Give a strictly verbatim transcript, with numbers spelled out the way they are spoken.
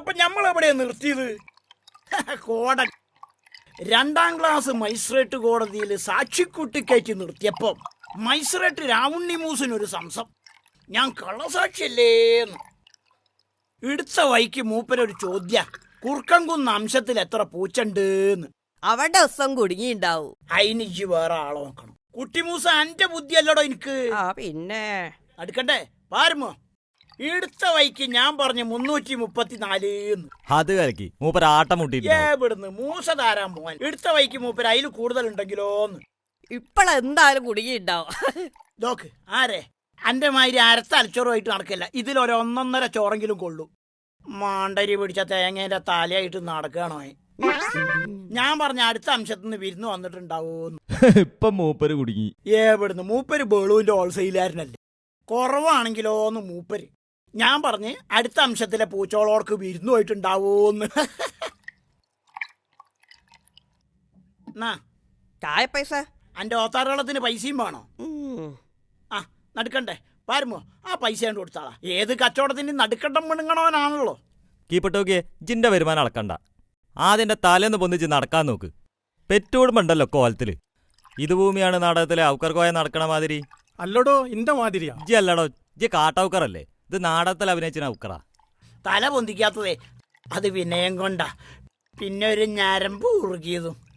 അപ്പൊ ഞമ്മളെവിടെയാ നിർത്തിയത്? കോട രണ്ടാം ക്ലാസ് മജിസ്ട്രേറ്റ് കോടതിയിൽ സാക്ഷിക്കുട്ടിക്കയറ്റി നിർത്തിയപ്പോ മജിസ്ട്രേറ്റ് രാവുണ്ണി മൂസിനൊരു സംശയം, ഞാൻ കള്ളസാക്ഷിയല്ലേന്ന്. എടുത്ത വൈക്ക് മൂപ്പരൊരു ചോദ്യ, കുർക്കൻകുന്ന് അംശത്തിൽ എത്ര പൂച്ചണ്ടെന്ന്. അവന്റെ ദിവസം കുടുങ്ങിണ്ടാവും. അതിനിജ് വേറെ ആളെ നോക്കണം. കുട്ടിമൂസ എന്റെ ബുദ്ധിയല്ലടോ എനിക്ക്. ആ പിന്നെ അടുക്കണ്ടേ പാരുമോ? എടുത്ത വൈക്ക് ഞാൻ പറഞ്ഞു മുന്നൂറ്റി മുപ്പത്തിനാല്. അത് കലക്കി മൂപ്പര് ആട്ടം മുട്ടിട്ട് എവിടുന്ന് മൂസ താരാൻ പോവാൻ? എടുത്ത വൈക്ക് മൂപ്പര് അതിൽ കൂടുതൽ ഉണ്ടെങ്കിലോന്ന്. ഇപ്പഴെന്തായാലും കുടുങ്ങിണ്ടാവും. നോക്ക് ആരെ അന്റെ മാതിരി അരത്ത അലച്ചോറുമായിട്ട് നടക്കില്ല. ഇതിലൊരു ഒന്നൊന്നര ചോറെങ്കിലും കൊള്ളു. മാണ്ടരി പിടിച്ച തേങ്ങേന്റെ തലയായിട്ട് നടക്കണോ? ഞാൻ പറഞ്ഞ അടുത്ത അംശത്തിൽ നിന്ന് വിരുന്ന് വന്നിട്ടുണ്ടാവൂന്ന്. ഇപ്പൊ മൂപ്പര് കുടുങ്ങി. എവിടുന്ന്? മൂപ്പര് ബേളുവിന്റെ ഹോൾസെയിലാരനല്ലേ. കുറവാണെങ്കിലോന്ന് മൂപ്പര്. ഞാൻ പറഞ്ഞ് അടുത്ത അംശത്തിലെ പൂച്ചോളോർക്ക് വിരുന്നു പോയിട്ടുണ്ടാവൂന്ന്. ചായ പൈസ അന്റെ ഓത്താറുകളത്തിന് പൈസയും വേണോ? ആ നടുക്കണ്ടേ പാരുമോ? ആ പൈസ കൊണ്ട് കൊടുത്താളാ. ഏത് കച്ചവടത്തിന് നടുക്കണ്ടം മിണുങ്ങണവനാണല്ലോ. കീപ്പട്ടോക്കിയെ ജിന്റെ വരുമാനം അളക്കണ്ട. ആദ്യന്റെ തലേന്ന് പൊന്നിച്ച് നടക്കാൻ നോക്ക്. പെറ്റോടുമ്പണ്ടല്ലോ കോലത്തില്. ഇത് ഭൂമിയാണ് നാടകത്തിലെ ഔക്കർക്കോയ നടക്കണ മാതിരി. അല്ലടോ ഇന്റെ മാതിരിയാ. ജി അല്ലടോ, ജി കാട്ടൗക്കറല്ലേ. ഇത് നാടകത്തിൽ അഭിനയിച്ച ഔക്കറാ. തല പൊന്തിക്കാത്തതേ അത് വിനയം കൊണ്ടാ. പിന്നെ ഒരു ഞരമ്പ് ഉറുകിയതും.